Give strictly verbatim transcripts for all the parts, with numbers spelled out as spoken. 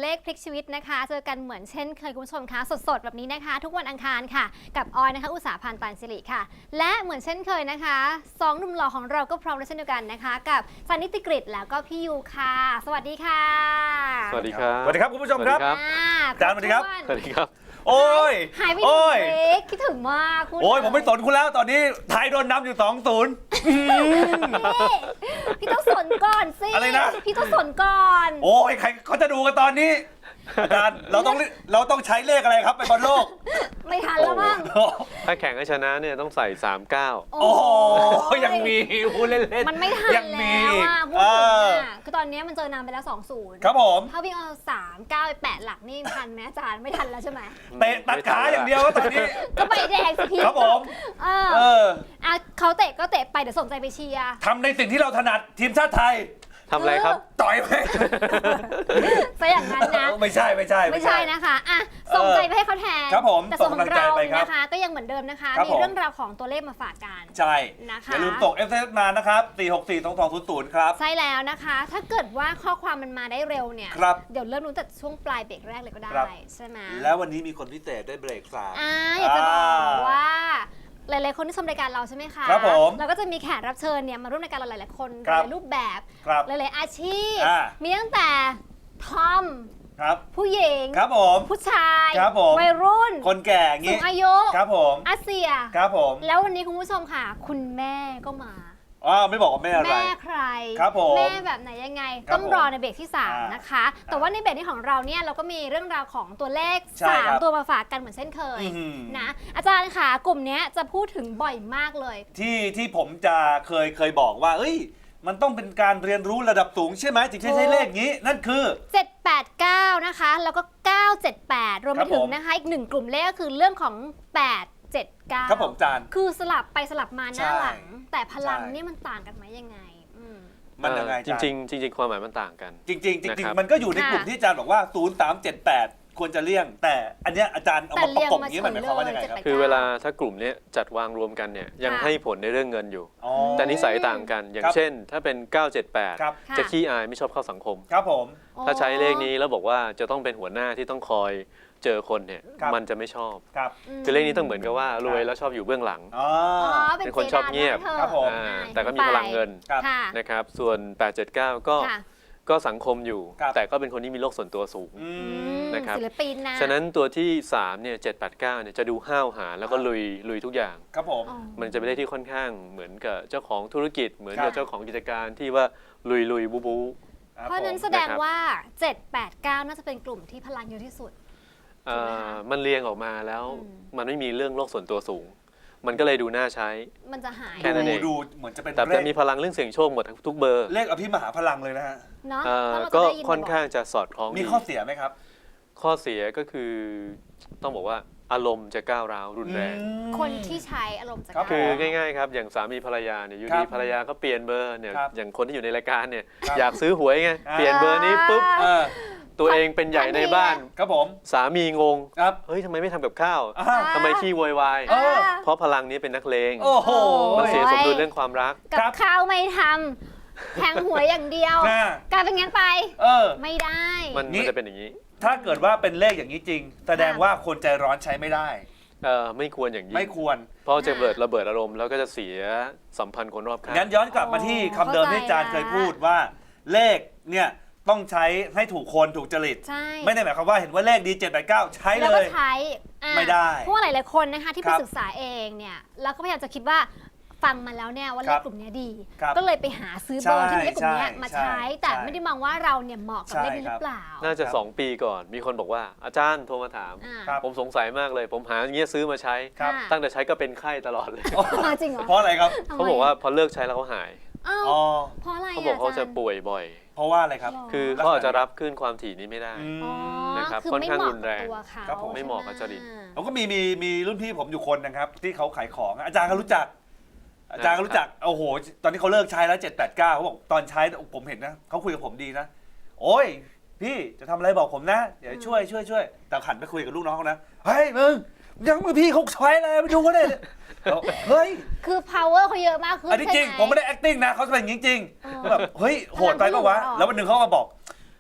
ขพลิกชีวิตนะคะเจอกันเหมือนเช่นเคยคุณผู้ชมคะสดๆแบบนี้นะคะทุกวันอังคารค่ะกับออยนะคะอุตสาหพันธ์ปานสิริค่ะและเหมือนเช่นเคยนะคะสองหนุ่มหล่อของเราก็พร้อมแล้วเช่นเดียวกันนะคะกับซันนิติกฤตแล้วก็พี่ยูค่ะสวัสดีค่ะสวัสดีครับสวัสดีครับคุณผู้ชมครับสวัสดีครับอาจารย์สวัสดีครับสวัสดีครับโอ้ยหายไปหโอ้นึ่งยเบรกคิดถึงมากพูดโอ้ยเลผมไม่สนคุณแล้วตอนนี้ไทยโดนนำอยู่ สองศูนย์นี่พี่ต้องสนก่อนสิอะไรนะพี่ต้องสนก่อนโอ้ยใครเขาจะดูกันตอนนี้ อาจารย์เราต้องเราต้องใช้เลขอะไรครับไปบอลโลกไม่ทันแล้วมั้งถ้าแข่งให้ชนะเนี่ยต้องใส่สามเก้าโอ้โหยังมีพูดเล่นๆมันไม่ทันยังมีแล้วอีกอ่ะพูดเอถึงออ่ะคือตอนนี้มันเจอนำไปแล้วสองศูนย์ครับผมถ้าวิ่งเอาสามเก้าไปแปดหลักนี่ทันไหมอาจารย์ไม่ทันแล้วใช่ไหมเตะตัดขาอย่างเดียวก็ตอนนี้ก็ใบแดงสิพี่ครับผมเออเอออ่ะเขาเตะก็เตะไปเดี๋ยวสนใจไปเชียร์ทำในสิ่งที่เราถนัดทีมชาติไทยทำอะไรครับต่อยไหมซะอย่างนั้นนะไม่ใช่ไม่ใช่ไม่ใช่นะคะอ่ะส่งใจไปให้เขาแทนครับผมแต่ส่วนของเราส่งกำลังใจไปครับนะคะ ก็ยังเหมือนเดิมนะคะครับมีผมเรื่องราวของตัวเลขมาฝากกันใช่นะคะอย่าลืมส่ง เอส เอ็ม เอส มานะครับสี่ หก สี่ สอง สอง ศูนย์ ศูนย์ครับใช่แล้วนะคะ ถ้าเกิดว่าข้อความมันมาได้เร็วเนี่ยครับเดี๋ยวเริ่มรู้แต่ช่วงปลายเบรกแรกเลยก็ได้ครับใช่ไหมแล้ววันนี้มีคนพิเศษด้วยเบรกสามอ่าอยากจะบอกว่าหลายๆคนที่ชมรายการเราใช่ไหมคะครับผมเราก็จะมีแขกรับเชิญเนี่ยมาร่วมรายการเราหลายๆคนครับหลายรูปแบบครับหลายๆอาชีพอ่ามีตั้งแต่ทอมครับผู้หญิงครับผมผู้ชายครับผมวัยรุ่นคนแก่อย่างสูงี้งอายุครับผมอาเซียครับผมแล้ววันนี้คุณผู้ชมค่ะ คุณแม่ก็มาอ๋อไม่บอกว่าแม่อะไรแม่ใครครับผมแม่แบบไหนยังไงครับต้องรอในเบรกที่สามอ่านนะคะ แต่ว่าในเบรกนี้ของเราเนี่ยเราก็มีเรื่องราวของตัวเลขใช่สามครับตัวมาฝากกันเหมือนเช่นเคยอื้อหือนะอาจารย์ค่ะกลุ่มเนี้ยจะพูดถึงบ่อยมากเลยที่ที่ผมจะเคยเคยบอกว่าเอ้ย มันต้องเป็นการเรียนรู้ระดับสูงใช่ไหมถึงจะใช้เลขนี้ นั่นคือเจ็ด แปด เก้า นะคะ แล้วก็ เก้า เจ็ด แปด รวมคไปรับถึงผมนะคะอีกหนึ่งกลุ่มเลขก็คือเรื่องของ แปด เจ็ด เก้าครับผมจานคือสลับไปสลับมาหน้าใช่หลัง แต่พลังใช่นี่มันต่างกันไหมยังไงอืมมันยังไงจริงๆจริง ๆ ความหมายมันต่างกันจริงๆจริงๆจนะริงครับๆมันก็อยู่ในกลุ่มค่ะที่อาจารย์บอกว่า ศูนย์ สาม เจ็ด แปด ควรจะเลี่ยง แต่อันเนี้ยอาจารย์เอาแต่มาประกบเลี่ยงมาอย่างนี้มันหมายความว่ายังไงครับเฉยๆคือเวลาถ้ากลุ่มเนี้ยจัดวางรวมกันเนี่ยยังค่ะให้ผลในเรื่องเงินอยู่อ๋อแต่นิสัยต่างกัน อย่างครับเช่น ถ้าเป็น เก้า เจ็ด แปดครับค่ะจะขี้อายไม่ชอบเข้าสังคมครับผมถ้าใช้เลขนี้แล้วบอกว่าจะต้องเป็นหัวหน้าที่ต้องคอยเจอคนเนี่ยครับมันจะไม่ชอบครับมคือเลขนี้ต้องเหมือนกับว่ารวยแล้วชอบอยู่เบื้องหลังอ๋ออ๋อเป็นคนชอบเงียบจดาครับผมอ่าอ่าแต่ก็มีพลังเงินครับค่ะนะครับส่วน แปด เจ็ด เก้า ก็ค่ะก็สังคมอยู่ครับแต่ก็เป็นคนที่มีโลกส่วนตัวสูงอือืมมนะครับศิลปินนะฉะนั้นตัวที่สามเนี่ยเจ็ด แปด เก้าเนี่ยจะดูห้าวหาญแล้วก็ครับลุยลุยทุกอย่างครับผมอ๋อมันจะเป็นเลขที่ค่อนข้างเหมือนกับเจ้าของธุรกิจ เหมือนครักับบ เจ้าของกิจการที่ว่าลุยลุยบูบูครับเพราะฉะนั้นผมแสดงนะครับว่า เจ็ด แปด เก้า น่าจะเป็นกลุ่มที่พลังเยอะที่สุดเอ่ถูกไหมอคะมันเรียงออกมาแล้วอืมมันไม่มีเรื่องโลกส่วนตัวสูง มันก็เลยดูน่าใช้มันจะหายแค่นั้นเองดูดูเหมือนจะเป็นแต่เลจะขมีพลังเรื่องเสียงโชคหมดทั้งทุกเบอร์เลขอภิมหาพลังเลยนะฮะเนาะเอ่อเพราะเราจะก็ได้ยินค่อนข้างบ่ยจะสอดคล้องมีดีข้อเสียไหมครับข้อเสียก็คือต้องบอกว่าอารมณ์จะก้าวร้าวรุนแรงอืมๆคนที่ใช้อารมณ์จะครับกคือล้าง่ายๆครับอย่างสามีภรรยาเนี่ยอยู่ครัดีบภรรยาก็เปลี่ยนเบอร์เนี่ยครับอย่างคนที่อยู่ในรายการเนี่ยครับอยากซื้อหวยไงอ่าเปลี่ยนเบอร์นี้ปุ๊บเออตัวเองเป็นใหญ่ในบ้านครับผมสามีงงครับเฮ้ยทำไมไม่ทำกับข้าวอ้าวทำไมขี้โวยวายเออเพราะพลังนี้เป็นนักเลงโอ้โหมันเสียสมดุลเรื่องความรักกับครับข้าวไม่ทำแทงหวยอย่างเดียวน่ะกลายเป็นงั้นไปเออไม่ได้มันนี่มันจะเป็นอย่างนี้ถ้าเกิดว่าเป็นเลขอย่างนี้จริง แสดงว่าคนใจร้อนใช้ไม่ได้เออไม่ควรอย่างยิ่งไม่ควรเพราะจะเบิดระเบิดอารมณ์แล้วก็จะเสียสัมพันธ์คนรอบข้างงั้นย้อนกลับมาที่คำเดิมที่อาจารย์เคยพูดว่า เลขเนี่ยต้องใช้ให้ถูกคนถูกจริตใช่ไม่ได้หมายความว่าเห็นว่าเลขดีเจ็ดแปดเก้าใช้แล้วเลก็ยใช้อ่ะไม่ได้เพราะว่าหลายๆคนนะคะที่คไปรับศึกษาเองเนี่ยแล้วก็พยายามจะคิดว่าฟังมาแล้วเนี่ยว่าเลครัขบกลุ่มเนี้ยดีครับก็เลยไปหาซื้อเบอร์ที่มีเลขกลุ่มเนี้ยใช่มาใช้ใช่แต่ใช่ไม่ได้มองว่าเราเนี่ยเหมาะกับใช่เลขนี้หครัรืบอเปล่าน่าจะครับสองปีก่อนมีคนบอกว่าอาจารย์โทรมาถามอ่าครับผมสงสัยมากเลย ผมหาอย่างเงี้ยซื้อมาใช้ครับอ่าตั้งแต่ใช้ก็เป็นไข้ตลอดเลยอ๋อจริงเหรอเพราะอะไรครับทำไมเขาบอกว่าพอเลิกใช้แล้วเขาหายอ้าวอ๋อเพราะอะไรเขาบอกเขาจะรย์ป่วยบ่อยเพราะว่าอะไรครับหรคือลักษณะเขาอาจจะรับคลื่นความถี่นี้ไม่ได้อืมอ๋อนะครับคือค่อนไม่ข้างเหมาะรุนแรงกับตัวเขาครับผมไม่เหมาะกับจริตผมก็มีมีมีรุ่นพี่ผมอยู่คนนะครับ ที่เขาขายของอาจารย์ก็รู้จัก อาจารย์ก็รู้จักโอ้โหตอนนี้เขาเลิกใช้แล้วเจ็ดแปดเก้าเขาบอกตอนใช้ผมเห็นนะเขาคุยกับผมดีนะ โอ้ยพี่จะทำอะไรบอกผมนะ เดี๋ยวช่วยช่วยช่วยแต่ขันไปคุยกับลูกน้องเขานะเฮ้ยมึงยังมือพี่เขาใช้เลยไปดูเขาเลยเฮ้ยคือ power เขาเยอะมากขึ้นอันนี้จริงใช่หผมไม่ได้ acting นะเขาเป็นอย่างนี้จริงเออแบบเฮ้ยโหดไปปะวะพลังเขาอยู่แล้ววันหนึ่งเขาก็มาบอก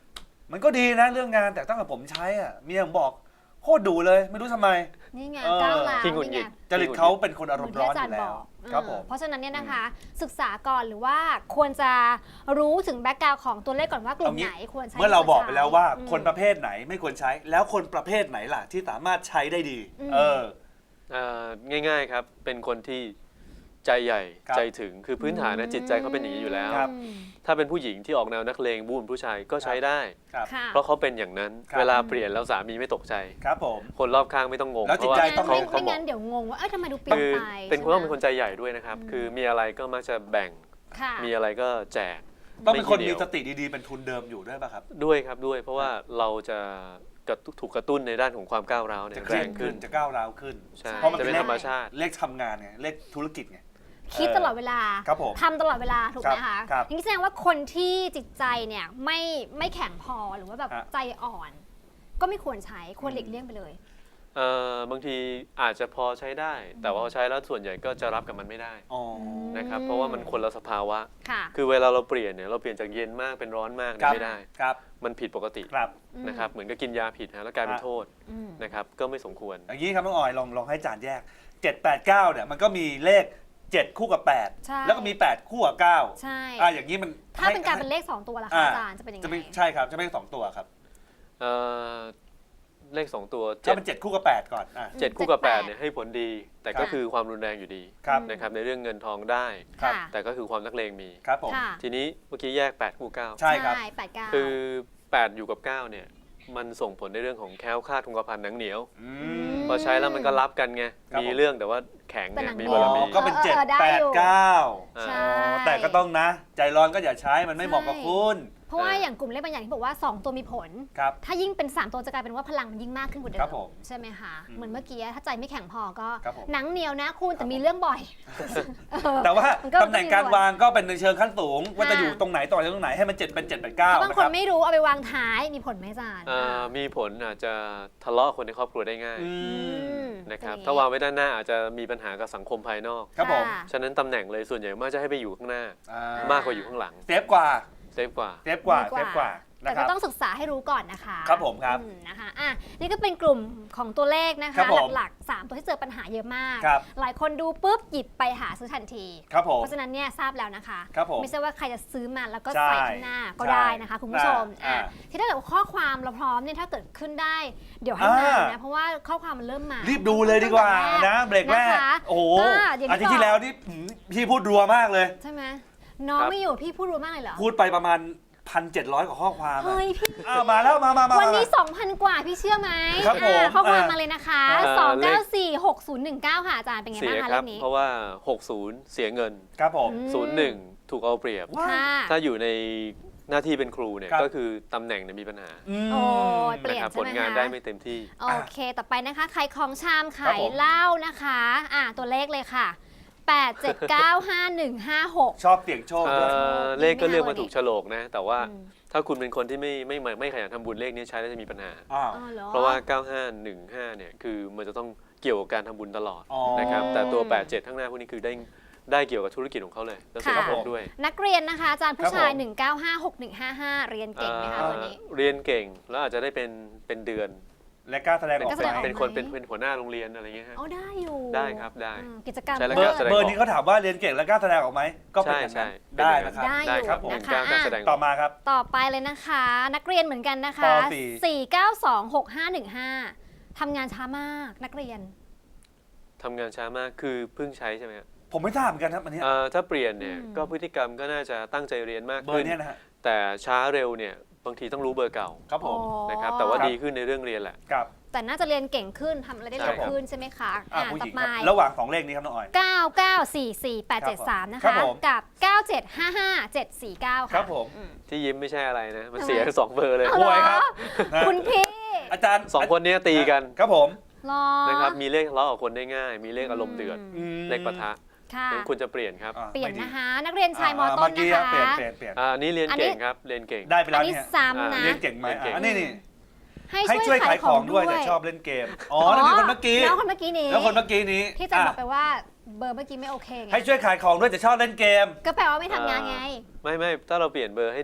มันก็ดีนะเรื่องงานแต่ตั้งแต่ผมใช้อ่ะเมียผมบอกโคตรดุเลยไม่รู้ทำไมนี่ไงเออก้าวร้าวขี้หงุดหงินี่ดไงจริตเขาเป็นคนอารมณ์ร้อนเหอมือนที่อาจารย์ยู่แล้บวอกครับผมเพราะฉะนั้นเนี่ยนะคะ ศึกษาก่อนหรือว่าควรจะรู้ถึงแบ็กกราวด์ของตัวเลขก่อนว่ากลุ่มเอางี้ไหนควรใช้เมื่อเราบอกไปแล้วว่าอืมคนประเภทไหนไม่ควรใช้ แล้วคนประเภทไหนล่ะที่สามารถใช้ได้ดีอืมเออเอ่อง่ายๆครับ เป็นคนที่ใจใหญ่ครับใจถึงคือพื้นฐานนะจิตใจเขาเป็นอย่างนี้อยู่แล้วครับอืมถ้าเป็นผู้หญิงที่ออกแนวนักเลงบูนผู้ชายก็ใช้ได้ครับค่ะเพราะเขาเป็นอย่างนั้นครับเวลาเปลี่ยนแล้วสามีไม่ตกใจครับผมคนรอบข้างไม่ต้องงงแล้วเพจิตราะว่าใจไม่ต้องเขาไม่เขาไม่บอกงั้นเดี๋ยวงงว่าเอ้ยทำไมดูเปลี่ยนคือไปเป็นคนต้องเป็นใช่คนไหมใจใหญ่ด้วยนะครับอืมคือมีอะไรก็มักจะแบ่งค่ะมีอะไรก็แจกต้องเป็นคนไมีสติดีๆเป็นทุนเดิมอยู่ด้วยป่ะครับด้วยครับด้วย เพราะว่าเราจะกระตุถูกกระตุ้นในด้านของความก้าวร้าวเนี่จะยเครีแรยดงขึ้ขึ้นนจะก้าวร้าวขึ้นใช่เพราะมันจะเป็นเป็นเลขธรรมชาติเลขทำงานไงเลขธุรกิจไงคิดตลอดเวลาครับผมทำตลอดเวลาถูกไหมครัคะบครับอย่างนี้แสดงว่าคนที่จิตใจเนี่ยไม่ไม่แข็งพอหรือว่าแบบฮะใจอ่อน ก็ไม่ควรใช้ควรหลีกเลี่ยงไปเลยเอ่อบางทีอาจจะพอใช้ได้ แต่ว่าพอใช้แล้วส่วนใหญ่ก็จะรับกับมันไม่ได้อ๋อนะครับเพราะว่ามันคนละสภาวะค่ะคือเวลาเราเปลี่ยนเนี่ยเราเปลี่ยนจากเย็นมากเป็นร้อนมากเนี่ครัยบไม่ได้ครับมันผิดปกติครับนะครับเหมือนกับกินยาผิดฮะแล้วกลายเป็นฮะโทษอืมนะครับก็ไม่สมควรอย่างนี้ครับน้องออยลองลองให้จานแยกเจ็ด แปด เก้าเนี่ยมันก็มีเลขเจ็ดคู่กับแปดใช่แล้วก็มีแปดคู่กับเก้าใช่อ่าอย่างนี้มันถ้าเป็นการเป็นเลขสองตัวล่ะคะอ่าอาจารย์จะเป็นยังไงจะไม่ใช่ครับจะไม่สองตัวครับเอ่อเลขสองตัวถ้าเจ็ดเป็นเจ็ดคู่กับแปดก่อนอ่ะเจ็ดคู่กับแปดเจ็ดแปดเนี่ยให้ผลดี แต่ครัก็บคือความรุนแรงอยู่ดีครับนะครับในเรื่องเงินทองได้ครับค่ะแต่ก็คือความนักเลงมีครับผมค่ะทีนี้เมื่อกี้แยกแปดคู่เก้าใช่ครับแปดเก้าคือแปดอยู่กับเก้าเนี่ยมันส่งผลในเรื่องของแคล้วคลาดคงกระพันหนังเหนียวอืมพอใช้แล้วมันก็รับกันไงครับมีผมเรื่องแต่ว่าแข็งแต่เนี่หนัยงมีเหนีบายวรมีอ๋อก็เป็นเออเจ็ดเออได้แปดอยู่เก้าอ่าใช่แต่ก็ต้องนะ ใจร้อนก็อย่าใช้มันไม่เหมาะกับคุณเพราะว่าอย่างกลุ่มเลขบางอย่างที่บอกว่าสองตัวมีผลครับถ้ายิ่งเป็นสามตัวจะกลายเป็นว่าพลังมันยิ่งมากขึ้นกว่าเดิครัมบผมใช่ไหมคะอืมเหมือนเมื่อกี้ถ้าใจไม่แข็งพอก็ครับผมหนังเหนียวนะคุณแต่มีเรื่องบ่อยเออแต่ว่ามันก็ตำแหน่งการวางก็เป็นในเชิงขั้นสูง ว่าจะค่ะอยู่ตรงไหนต่อจากตรงไหนให้มันเจ็ดเป็นเจ็ดเป็นเก้าถ้าบางนะคคน รับไม่รู้เอาไปวางท้ายมีผลไหมอาจารย์เอ่อมีผลอาจจะทะเลาะคนในครอบครัวได้ง่ายอือืมมนะครับอย่ถ้าวางไว้ด้านหน้าอาจจะมีปัญหากับสังคมภายนอกครับผมะฉะนั้นตำแหน่งเลยส่วนใหญ่มากจะให้ไปอยู่ข้างหน้าอ่ามากกว่าอยู่ข้างหลังเซฟกว่าเซฟกว่าเซฟกว่าดีเซฟกว่านะแต่คก็รับต้องศึกษาให้รู้ก่อนนะคะครับผมครับอืมนะคะอ่ะนี่ก็เป็นกลุ่มของตัวเลขนะครัคะบผมหลักๆสามตัวที่เจอปัญหาเยอะมากครับหลายคนดูปุ๊บหยิบไปหาซื้อทันทีครับผมเพราะฉะนั้นเนี่ยทราบแล้วนะคะครับผมไม่ใช่ว่าใครจะซื้อมาแล้วก็ใช่ใส่ข้างหน้าก็ใช่ได้นะคะคุณผู้ชมอ่าอ่ะอ่าที่ถ้าเกิดว่าข้อความเราพร้อมเนี่ยถ้าเกิดขึ้นได้ เดี๋ยวให้มาอ่านะเพราะว่าข้อความมันเริ่มมารีบดูเลยดีกว่านะเบรกแรกนะคะโอ้โหก็อย่างอาทิตย์ที่ที่บอกแล้วนี่หืมพี่พูดรัวมากเลยใช่ไหมน้องครับไม่อยู่พี่พูดรู้มากเลยเหรอพูดไปประมาณพันเจ็ดร้อยกว่าข้อความอะเฮ้ยพี่อ้าวมาแล้วมามามาวันนี้มาสองพัน กว่าพี่เชื่อไหมครับผมอ่าข้อความอ่ามมาเลยนะคะเอ่อสองเก้าสี่ หกศูนย์หนึ่งเก้าค่ะอาจารย์เป็นไงเสีบ้างยคะครัเรื่บองนี้เพราะว่า หกศูนย์ เสียเงินครับผมอืมศูนย์หนึ่ง ถูกเอาเปรียบว้าค่ะถ้าอยู่ในหน้าที่เป็นครูเนี่ยครับก็คือตำแหน่งเนี่ยมีปัญหาอืมโอ้ยเปลี่ยนนะครับใช่ผไหมลงานคะได้ไม่เต็มที่โอเค ต่อไปนะคะขายของชามครัขาบยผมเหล้านะคะอ่าตัวเลขเลยค่ะ แปด เจ็ด เก้า ห้า หนึ่ง ห้า หกชอบเสี่ยงโชคเอ่ด้วยอเลขก็เลือกมาไม่เอาถูกโฉลกนะ แต่ว่าอืมถ้าคุณเป็นคนที่ไม่ไม่ไม่ไม่ขยันทำบุญเลขนี้ใช้แล้วจะมีปัญหาอ้าวอ๋อเหรอเพราะว่า เก้า ห้า หนึ่ง ห้า เนี่ยคือมันจะต้องเกี่ยวกับการทำบุญตลอดอ๋อนะครับแต่ตัว แปด เจ็ด ข้างหน้าพวกนี้คือได้ได้เกี่ยวกับธุรกิจของเขาเลยแล้วเสร็จค่ะครบด้วยนักเรียนนะคะ อาจารย์ผู้ชายครับผมหนึ่งเก้าห้า หกหนึ่งห้าห้า เรียนเก่งไหมคะเอ่อวันนี้เรียนเก่งแล้วอาจจะได้เป็นเป็นเดือนและกล้าแสดงอเป็นอกกล้าไปแสดงออกเป็นคนเป็นเป็นหัวหน้าโรงเรียนอะไรเงี้ยฮะอ๋อได้อยู่ได้ครับได้อืมกิจกรรมใช่แล้วเบอก็ร์แสดงออกเบอร์นี้เขาถามว่าเรียนเก่งและกล้าแสดงออกไหมก็เป็นใช่อย่างใช่นั้นได้นะครับได้ได้อยู่ครับผมนะคะกล้ากล้าอ่ะแสดงอต่ออก มาครับต่อไปเลยนะคะ นักเรียนเหมือนกันนะคะปสี่สี่ เก้า สอง หก ห้า หนึ่ง ห้าทำงานช้ามากนักเรียนทำงานช้ามากคือเพิ่งใช้ใช่ไหมครับผมไม่ทราบเหมือนกันครับอันเนี้ยเอ่อถ้าเปลี่ยนเนี่ยอืมก็พฤติกรรมก็น่าจะตั้งใจเรียนมากเบอขึ้ร์นเนี้ยนะฮะแต่ช้าเร็วเนี่ยบางทีต้องรู้เบอร์เก่าครับผมอ๋อนะครับแต่ว่าครับดีขึ้นในเรื่องเรียนแหละกับแต่น่าจะเรียนเก่งขึ้นทำอะไรได้ใช่เร็วครับขึ้นใช่ไหมคะอ่ะอ่ะผู้หต่อญิงไปครับระหว่างสองเลขนี้ครับน้องออยเก้า เก้า สี่ สี่ แปด เจ็ด สาม นะครัคะบผมกับ เก้า เจ็ด ห้า ห้า เจ็ด สี่ เก้าคค่ะรับผมอืมที่ยิ้มไม่ใช่อะไรนะ มันทำไมเสียทั้งสองเบอร์เลยเอาป่วยครับนะคุณพี่อาจารย์สองคนเนี้ยตีกันครับผมรอนะครับมีเลขทะเลาะกับคนได้ง่าย มีเลขอารมณ์เดือดอืมเลขปะทะค่ะงั้นคุณจะเปลี่ยนครับอ่ะเปลี่ยนไม่ดีนะคะ นักเรียนชายมอ่ต้นเมื่อกี้นะรับคะเปลี่ยนเปลี่ยนเปลี่ยนอ่าอันนี้เรียนอันนี้เก่งครับเรียนเก่งได้ไปอัแล้นวนี้เนี่ยซ้ำนะเรียนเก่งไหมเรียนเก่งอ่ะอันนี้นี่ให้ให้ช่ช่ววย ยขาขาย ยขขออง งด้ด้ววย ยแต่ชอบเล่นเกม อ๋ออ๋อนั่นคือคนเมื่อกี้แล้วคนเมื่อกี้นี้แล้วคนเมื่อกี้นี้ที่อาจารย์บอ่ะอกไปว่าเบอร์เมื่อกี้ไม่โอเคไงให้ช่วยขายของด้วยแต่ชอบเล่นเกมก็แปลว่าไม่ทำงานไงไม่ไม่ถ้าเราเปลี่ยนเบอร์ให้เด็ก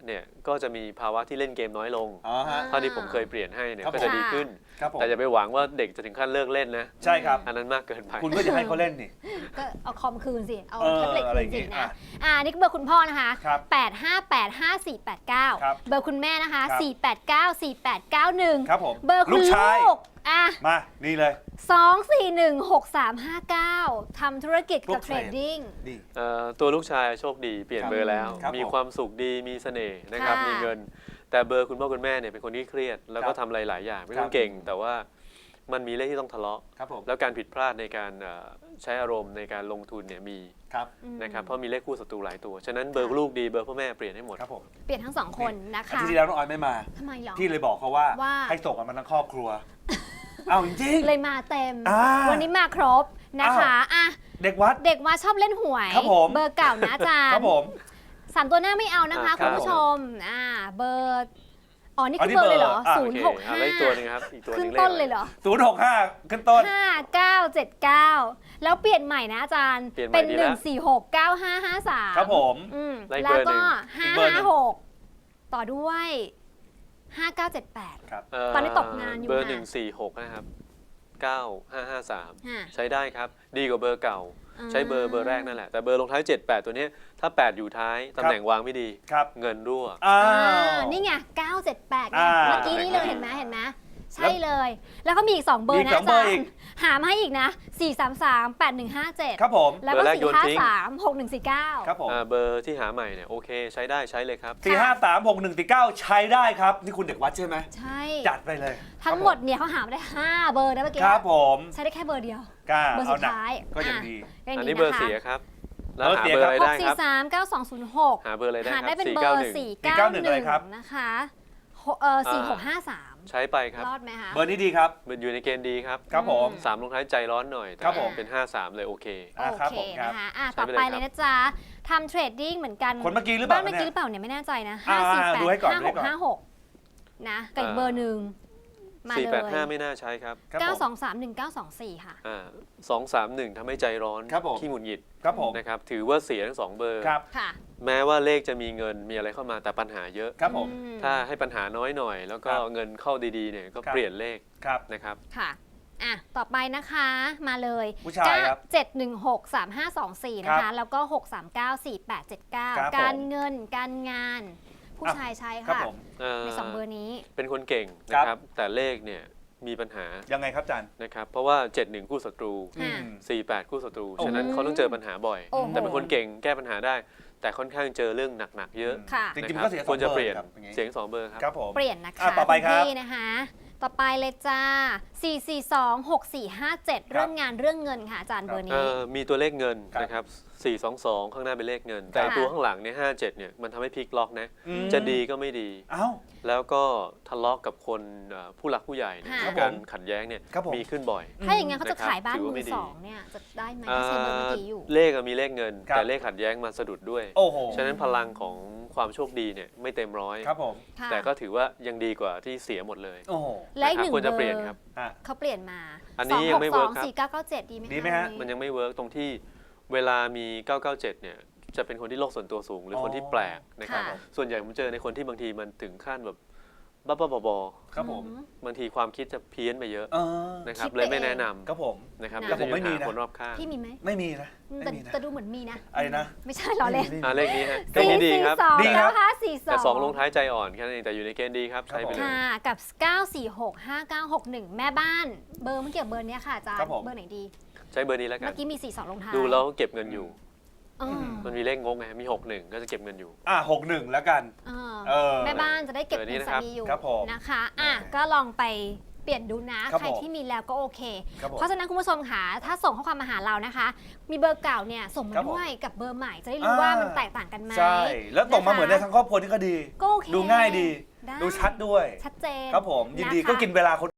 เนี่ยก็จะมีภาวะที่เล่นเกมน้อยลงอ๋อฮะเท่าที่ผมเคยเปลี่ยนให้เนี่ยครับก็จะดีขึ้นครับผมแต่อย่าไปหวังว่าเด็กจะถึงขั้นเลิกเล่นนะใช่ครับอันนั้นมากเกินไปคุณก็อย่าให้เขาเล่นนี่ก็เอาคอมคืนสิ เอาเออแท็บเล็ตอะไรคือน ย่างงี้สินะอ่ะอ่านี่คือเบอร์คุณพ่อนะคะครับแปดห้าแปดห้าสี่แปดเก้าครับเบอร์คุณแม่นะคะครับสี่แปดเก้าสี่แปดเก้าหนึ่งครับผมเบอร์คุณลูกชายลูกอ่ะมา นี่เลยสองสี่หนึ่งหกสามห้าเก้าทำธุรกิจกับพวกเทเทรรดดดิ้งนี่เอ่อตัวลูกชายโชคดีเปลี่ยนครับเบอร์แล้วครับมีผมความสุขดีมีเสน่ห์นะครับค่ะมีเงิน แต่เบอร์คุณพ่อคุณแม่เนี่ยเป็นคนที่เครียด แล้วก็ครับทำอะไรหลายอย่างไม่ครัต้อบ งเก่ง แต่ว่ามันมีเลขที่ต้องทะเลาะครับผมแล้วการผิดพลาดในการเอ่อใช้อารมณ์ในการลงทุนเนี่ยมีครับอืมนะครับเพราะมีเลขคู่ศัตรูหลายตัวฉะนั้นเบอร์ค่ะลูกดีเบอร์พ่อแม่เปลี่ยนให้หมดครับผมเปลี่ยนทั้งสองคนนะอาคะทิตย์ที่แล้วน้องออยไม่มาทำไมหรอพี่เลยบอกเขาว่าว่าให้ส่งกันมาทั้งครอบครัว เอาจริงเลยมาเต็มอ่าวันนี้มาครบนะคะอ่ะๆเด็กวัดเด็กมาชอบเล่นหวยครับผมเบอร์เก่านะอาจารย์ครับผมสามตัวหน้าไม่เอานะคะอ่าคุณผู้ครับชมอ่าเบอร์อ๋อนี่อ๋อคือนี่เบอร์เลยเหรอเบอร์อ่ะศูโอนย์เคหกเอาห้าเลขตัวหนึงครับอีกตัวหขึ้นึนงเลขต้นอะไรเลยเหรอศูนย์หกห้าขึ้นต้นห้าเก้าเจ็ดเก้าแล้วเปลี่ยนใหม่นะอาจารย์เปลี่ยนใหม่เป็นดีหแล้นึ่วงสี่หกเก้าห้าห้าสามครับผมอืมได้อีกแล้วเบอร์หนึ่ก็งห้าอีกเบอร์หนึ่ห้าง หกต่อด้วยห้าเก้าเจ็ดแปดครับเตอนนี้ตกงานอยู่เบอร์ค่ะหนึ่งสี่หกนะครับเก้าห้าห้าสามค่ะใช้ได้ครับ ดีกว่าเบอร์เก่าอ่าใช้เบอร์เบอร์แรกนั่นแหละ แต่เบอร์ลงท้ายเจ็ด แปด ตัวเนี้ยถ้า แปด อยู่ท้ายตำแหน่งวางไม่ดีครับเงินรั่วอ้าอ่าว นี่ไงเก้าเจ็ดแปดไงอ่าเมื่อกี้นี้เลยเห็นไหมเห็นไหมใช่เลย แล้วก็มีอีกสองเบอร์มีอีนะกสองอาเบอจาร์รอีกย์หามาให้อีกนะสี่สามสามแปดหนึ่งห้าเจ็ดครับผมแล้วก็เบอร์แรกสี่โยนห้าทิ้งสามหกหนึ่งสี่เก้าครับผมอ่าเบอร์ที่หาใหม่เนี่ยโอเค ใช้ได้ใช้เลยครับสี่ห้าสามหกหนึ่งสี่เก้าใช้ได้ครับ นี่คุณเด็กวัดใช่ไหมใช่จัดไปเลยทั้งหมดเนี่ยเขาหามาได้ห้าเบอร์นะเมื่อกี้ครับผมใช้ได้แค่เบอร์เดียวกล้าเบอร์เอาสุดหนักท้ายก็ยังอ่ะดีก็ยังอันดีนี้นะคะเบอร์เสียครับ แล้วหาเบเบออร์ร์เสียอะไรหกได้สี่ครับสามเก้าสองศูนย์หกหาเบอร์อะไรได้หาครัได้บเป็นสี่เบอเก้าหร์นึ่งสี่สี่เก้าเก้าหหนึ่นึ่งอะไรครับงนะคะหกเออสี่หกห้าสามใช้ไปครับรอดไหมคะเบอร์นี้ดีครับมันอยู่ในเกณฑ์ดีครับครับผมสามลงท้ายใจร้อนหน่อยแต่ครับผมเป็นห้าสามเลยโอเคอ่าโอครับเคผมครับนะคะอ่ะใช้ต่อไปไปเลยเลยนะจ๊ะทำเทรดดิ้งเหมือนกันคนเมื่อกี้หรือเปล่าบ้านเมื่อกี้หเนี่ยรือเปล่าเนี่ยไม่แน่ใจนะอ่าห้าสี่แปดดูให้ก่อนห้าดูหให้กก่อนห้าหกนะกับอีกเบอร์หนึ่งมาสี่เลแปดยห้าไม่น่าใช้ครับครับเก้าผสอมงสามหนึ่งเก้าสองสี่ค่ะอ่าสองสามหนึ่งทำให้ใจร้อนครับผมขี้หงุดหงิดครับผมนะครับถือว่าเสียทั้งสองเบอร์ครับค่ะแม้ว่าเลขจะมีเงินมีอะไรเข้ามาแต่ปัญหาเยอะครับผมอืมถ้าให้ปัญหาน้อยหน่อย แล้วก็ครับเงินเข้าดีๆเนี่ยก็ครับเปลี่ยนเลขครับนะครับค่ะอ่ะต่อไปนะคะมาเลยผู้ชายครับเจ็ดหนึ่งหกสามห้าสองสี่นะครัคะบแล้วก็หกสามเก้าสี่แปดเจ็ดเก้าครับผมการเงินการงาน ผู้ชายใช้ครับค่ะผมเอ่อในสองเบอร์นี้เป็นคนเก่งครันะบครับ แต่เลขเนี่ยมีปัญหายังไงครับอาจารย์นะครับ เพราะว่า เจ็ดหนึ่ง คู่ศัตรูค่ะอืมสี่แปด คู่ศัตรูโอ้โหฉะนั้นเขาต้องเจอปัญหาบ่อยโอ้โหแต่เป็นคนเก่งแก้ปัญหาได้ แต่ค่อนข้างเจอเรื่องหนักๆเยอะค่ะจริงๆนะก็คเสียบสคอวงรจะเบอเปลี่ยนร์ครับอย่างงี้เสียงสองเบอร์ครับครับผมเปลี่ยนนะคะอ่ะต่อไปครับณพี่นะคะ ต่อไปเลยจ้า สี่สี่สอง หกสี่ห้าเจ็ด เรื่องงานเรื่องเงินค่ะอาจารย์เบอร์เอ่นี้อมีตัวเลขเงินครับนะครับ สี่สองสอง ข้างหน้าเป็นเลขเงิน แต่ค่ะตัวข้างหลังเนี่ยห้าเจ็ดเนี่ยมันทำให้พลิกล็อกนะอืมจะดีก็ไม่ดีเอ้าแล้วก็ทะเลาะกับคนเอ่อผู้หลักผู้ใหญ่เนี่ยค่ะการขัดแย้งเนี่ยครับผมมีขึ้นบ่อยถ้าอย่างงั้นเขาจะนะครับขายบ้านถือมืว่าไม่อดีสองเนี่ยจะได้ไหมถ้าใช้เบอร์เมื่อกี้อยู่เลขอะมีเลขเงินครับแต่เลขขัดแย้งมาสะดุดด้วยโอ้โหฉะนั้นพลังของความโชคดีเนี่ยไม่เต็มร้อยครับผมค่ะแต่ก็ถือว่ายังดีกว่าที่เสียหมดเลยโอ้โหและอีกหนึ่งควรเบจะอเปลี่ยนร์ครับอ่ะเขาเปลี่ยนมาอันนี้ยังไม่เวิร์คครับสี่เก้าเก้าเจ็ดดีไหมดีไหมฮะมันยังไม่เวิร์กตรงที่เวลามี เก้าเก้าเจ็ด เนี่ยจะเป็นคนที่โลกส่วนตัวสูง หรือคนที่แปลกนะครับค่ะส่วนใหญ่ผมเจอในคนที่บางทีมันถึงขั้นแบบบ้าๆบอครับผมอืๆบางทีความคิดจะเพี้ยนไปเยอะเออนะครับคิดไปเลยไม่เองแนะนำครับผมนะครับนะเดี๋ยวจะผมไม่มีมีปัญหานะคนรอบข้างพี่มีไหมไม่มีนะอืมไม่แต่มีนะแต่ดูเหมือนมีนะอะไรนะไม่ใช่หรอเล่นไม่มีอ่าเลขนี้ฮะเลขสี่นี้ดีสี่ครับสองดีครับเก้าห้าสี่สองแต่สองลงท้ายใจอ่อนแค่นั้นเองแต่อยู่ในเกณฑ์ดีครับใช้ไปเลยค่ะกับ เก้าสี่หก ห้าเก้าหกหนึ่ง แม่บ้าน เบอร์เมื่อกี้กับเบอร์เนี้ยค่ะอาจารย์ครับผมเบอร์ไหนดีใช้เบอร์นี้แล้วกัเมื่นอกี้มีสี่สองลงท้ายดูแล้วเก็บเงินอยู่อ๋อมันมีเลขงงไงมีหกหนึ่งก็จะเก็บเงินอยู่อ่ะหกหนึ่งแล้วกันเออเออแม่บ้านจะได้เก็บเบอร์นี้เงินนะครัสาบมีอยู่ครับผมนะคะอ่ะแหมก็ลองไปเปลี่ยนดูนะครับใครผมที่มีแล้วก็โอเคครับผมเพราะฉะนั้นคุณผู้ชมค่ะถ้าส่งข้อความมาหาเรานะคะ มีเบอร์เก่าเนี่ยส่งมาครับผมด้วยกับเบอร์ใหม่จะได้รู้ว่ามันแตกต่างกันไหมใช่ แล้วตกมานะคะเหมือนในทั้งครอบครัวนี่ก็ดีก็โอเคดูง่ายดีได้ดูชัดด้วยชัดเจนครับผม ยินดีะคะก็กินเวลาคน